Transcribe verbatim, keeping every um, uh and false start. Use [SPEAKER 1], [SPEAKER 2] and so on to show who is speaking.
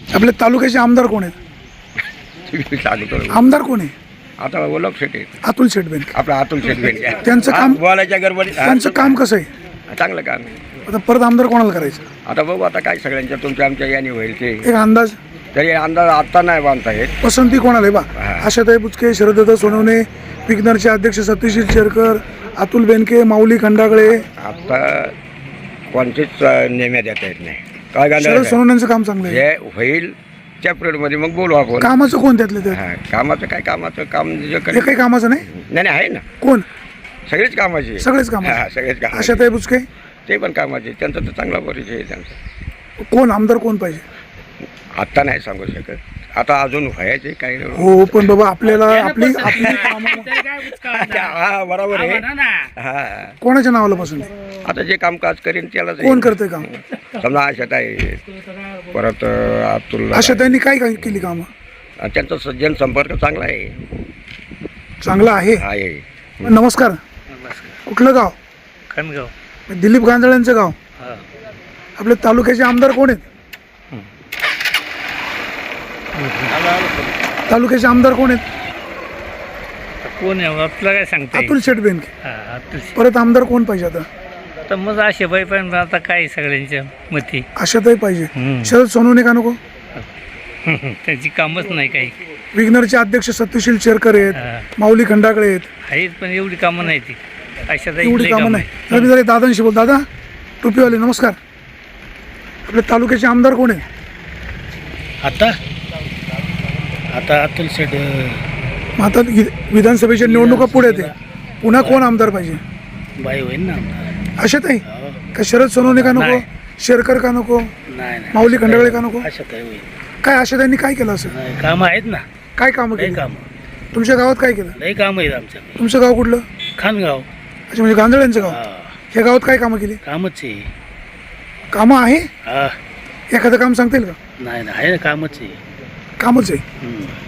[SPEAKER 1] आपल्या तालुक्याचे आमदार कोण आहेत? आमदार कोण आहे?
[SPEAKER 2] आता ओळख शेट आहे
[SPEAKER 1] अतुल शेट बेनके.
[SPEAKER 2] आपला अतुल शेट बेनके.
[SPEAKER 1] त्यांचं काम
[SPEAKER 2] बोलायच्या गडबडीत
[SPEAKER 1] त्यांचं काम कसं आहे?
[SPEAKER 2] चांगलं काम आहे.
[SPEAKER 1] आता परत आमदार कोणाला करायचं?
[SPEAKER 2] आता बघू आता काय सगळ्यांच्या तुमच्या आमच्या याने होईल ते.
[SPEAKER 1] एक अंदाज
[SPEAKER 2] तरी अंदाज आता नाही बांधता येत.
[SPEAKER 1] पसंती कोणाला आहे बा? आशाताई बुचके, शरदत्त सोनवणे, विग्नरचे अध्यक्ष सतीश शेरकर, अतुल बेनके, माऊली खंडागळे.
[SPEAKER 2] आता कोणतीच नेम्या देता येत नाही. काय
[SPEAKER 1] शरद
[SPEAKER 2] घालायचं
[SPEAKER 1] सोनवण्यांचं काम चांगलं आहे.
[SPEAKER 2] हे होईल त्या पिरियडमध्ये मग बोलू आपण.
[SPEAKER 1] कामाचं कोण त्यातलं त्यात?
[SPEAKER 2] हा, कामाचं काय कामाचं काम जे
[SPEAKER 1] हे
[SPEAKER 2] करेल-
[SPEAKER 1] काही कामाचं नाही.
[SPEAKER 2] नाही नाही आहे ना,
[SPEAKER 1] कोण?
[SPEAKER 2] सगळीच कामाची.
[SPEAKER 1] सगळेच काम.
[SPEAKER 2] हा, सगळेच काम.
[SPEAKER 1] आशाताई बुचके
[SPEAKER 2] ते पण कामाचे. त्यांचा तर चांगला परिचय आहे त्यांचा.
[SPEAKER 1] कोण? आमदार कोण पाहिजे?
[SPEAKER 2] आत्ता नाही सांगू शकत. आता अजून व्हायचे काही नाही.
[SPEAKER 1] हो पण बाबा आपल्याला आपली आपली कामं-
[SPEAKER 2] हा बरोबर आहे. हा
[SPEAKER 1] कोणाच्या नावाला पसंत आहे?
[SPEAKER 2] आता जे कामकाज करीन त्याला
[SPEAKER 1] कोण करते काम?
[SPEAKER 2] समजा आशात आहे, परत अतुल
[SPEAKER 1] आशाताईंनी काय काय केली कामं?
[SPEAKER 2] त्यांचा सज्जन संपर्क चांगला आहे.
[SPEAKER 1] चांगला आहे.
[SPEAKER 2] आहे.
[SPEAKER 1] नमस्कार. कुठलं गाव?
[SPEAKER 3] खणगाव.
[SPEAKER 1] दिलीप गांजळ्यांचं गाव. आपल्या तालुक्याचे आमदार कोण आहेत? तालुक्याचे आमदार कोण आहेत?
[SPEAKER 3] कोण आहे आपलं काय सांगता
[SPEAKER 1] अतुल शेट बेनके.
[SPEAKER 3] हा, अतुल शेट.
[SPEAKER 1] परत आमदार कोण पाहिजे आता?
[SPEAKER 3] तर मग असे बाई पण आता काय सगळ्यांच्या मती.
[SPEAKER 1] आशाताई पाहिजे.
[SPEAKER 3] हम्म.
[SPEAKER 1] शरद सोनवणे का नको?
[SPEAKER 3] त्यांची कामच नाही काही.
[SPEAKER 1] विग्नरचे अध्यक्ष सत्यशील शेरकर आहेत,
[SPEAKER 3] हा.
[SPEAKER 1] माऊली खंडागळे आहेत.
[SPEAKER 3] आहेत पण एवढी कामं नाही ती. अशा
[SPEAKER 1] एवढी कामं नाही. तर मी जरा दादांशी बोल. दादा टोपीवाले नमस्कार. आपल्या तालुक्याचे आमदार कोण आहेत?
[SPEAKER 4] आता आता अतुल शेट
[SPEAKER 1] मग आता वि- विधानसभेच्या निवडणुका पुढे येते. पुन्हा कोण आमदार पाहिजे?
[SPEAKER 4] बाई होईल ना.
[SPEAKER 1] आशाताई का शरद सोनवणे का नको?
[SPEAKER 4] नाही.
[SPEAKER 1] शेरकर का नको?
[SPEAKER 4] नाही नाही
[SPEAKER 1] माऊली खंडागळे का नको?
[SPEAKER 4] अशा काही होईल.
[SPEAKER 1] काय आशाताईंनी काय केलं असं?
[SPEAKER 4] नाही, कामं आहेत ना.
[SPEAKER 1] काय कामं
[SPEAKER 4] लई
[SPEAKER 1] केली?
[SPEAKER 4] काम
[SPEAKER 1] तुमच्या गावात काय केलं?
[SPEAKER 4] लई कामं आहेत आमच्याकडे.
[SPEAKER 1] तुमचं गाव कुठलं?
[SPEAKER 4] खानगाव.
[SPEAKER 1] अच्छा म्हणजे गांजळ्यांचं गाव.
[SPEAKER 4] हा,
[SPEAKER 1] ह्या गावात काय कामं केली?
[SPEAKER 4] कामच आहे.
[SPEAKER 1] कामं आहे?
[SPEAKER 4] हा
[SPEAKER 1] एखादं काम सांगता येईल का?
[SPEAKER 4] नाही नाही आहे ना, कामच आहे.
[SPEAKER 1] कामच आहे.
[SPEAKER 4] हम्म.